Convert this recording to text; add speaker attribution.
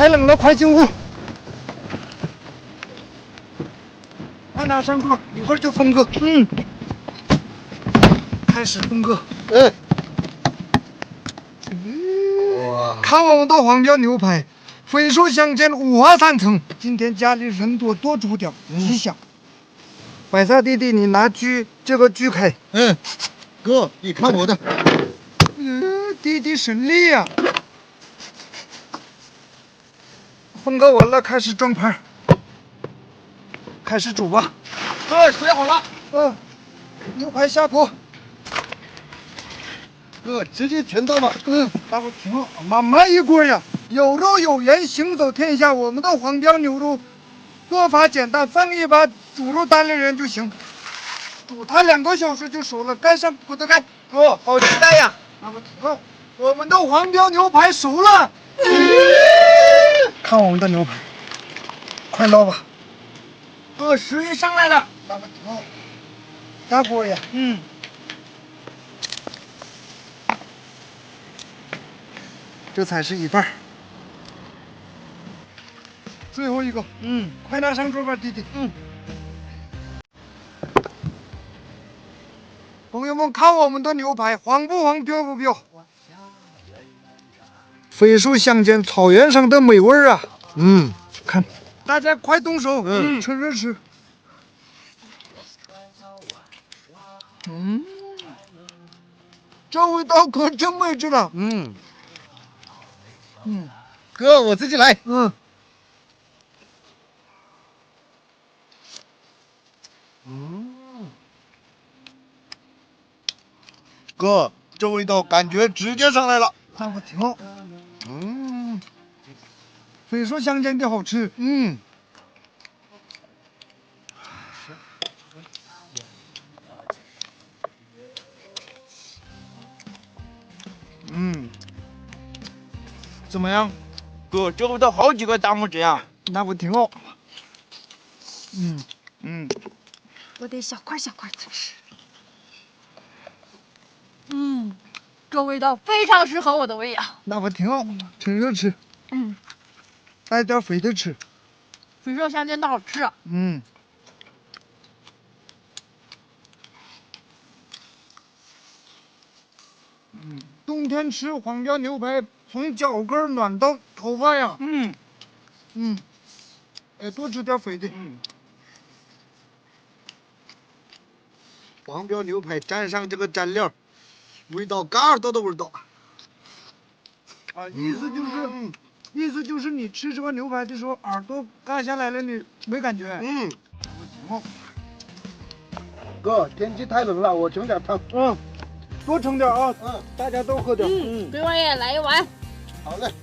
Speaker 1: 太冷了，快进屋。快拿上锅，一会儿就分割。开始分割。哇！看我们的黄标牛排，肥瘦相间，五花三层。今天家里人多，多煮点，吉祥。白菜弟弟，你拿这个锯开。
Speaker 2: 哥，你看我的。
Speaker 1: 弟弟省力呀。分割完了，开始装盘，开始煮吧。
Speaker 2: 水好了。
Speaker 1: 牛排下锅。
Speaker 2: 哥，直接全倒吧。
Speaker 1: 大伙听好，慢慢一锅呀。有肉有盐，行走天下。我们的黄标牛肉做法简单，放一把猪肉单立人就行，煮它2个小时就熟了。盖上锅的盖。
Speaker 2: 哥，好期待呀！
Speaker 1: 大伙听好，我们的黄标牛排熟了。看我们的牛排，快捞吧。
Speaker 2: 哥，食欲上来了。
Speaker 1: 大伙听好，大锅呀。这才是一半。最后一个。快拿上桌吧，弟弟。朋友们，看我们的牛排，黄不黄，标不标？肥瘦相间，草原上的美味儿啊！看，大家快动手，趁热吃。这味道可真美极了。
Speaker 2: 哥，我自己来。哥，这味道感觉直接上来了。
Speaker 1: 大伙听好。肥瘦相间的好吃。怎么样？
Speaker 2: 哥，这味道好几个大拇指呀！
Speaker 1: 那我挺好。
Speaker 3: 我得小块小块的吃。这味道非常适合我的胃呀。
Speaker 1: 那我挺好，趁热吃。带点肥的吃。
Speaker 3: 肥瘦相间的好吃。
Speaker 1: 冬天吃黄标牛排，从脚跟暖到头发呀。多吃点肥的。
Speaker 2: 黄标牛排蘸上这个蘸料，味道嘎耳朵的味道。
Speaker 1: 意思就是你吃这个牛排的时候，耳朵嘎下来了，你没感觉？
Speaker 2: 哥，天气太冷了，我盛点汤。
Speaker 1: 多盛点啊。大家都喝点。
Speaker 3: 给我也来一碗。
Speaker 2: 好嘞。